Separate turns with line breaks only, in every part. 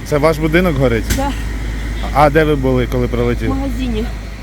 Це ваш будинок горить?
Да.
А де ви були, коли
В
прилетів?
магазине.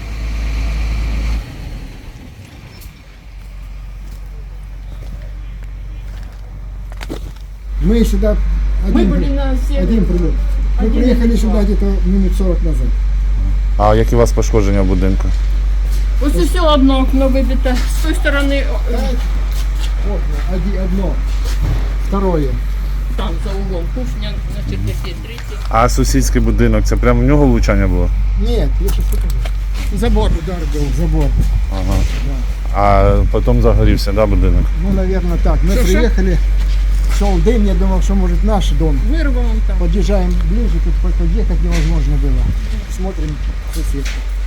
Мы сюда
Мы были на
один прилет. Мы
Один
приехали
прилет.
сюда где-то минут 40 назад.
А які у вас пошкодження в будинку?
Ось все одно окно вибите. З тої сторони
Окна, одно, второе.
там за углом кухня, на чердаке третє.
А сусідський будинок, це прямо в нього влучання було?
Нет, я сейчас покажу.
Забор.
Удар был в забор.
Ага. А потім загорівся, да, будинок?
Ну, наверное, так. Мы
Что,
приехали, шел дым, я думал, что может наш дом.
Вирвало там.
Подъезжаем ближе, тут подъехать невозможно было. Смотрим, соседка.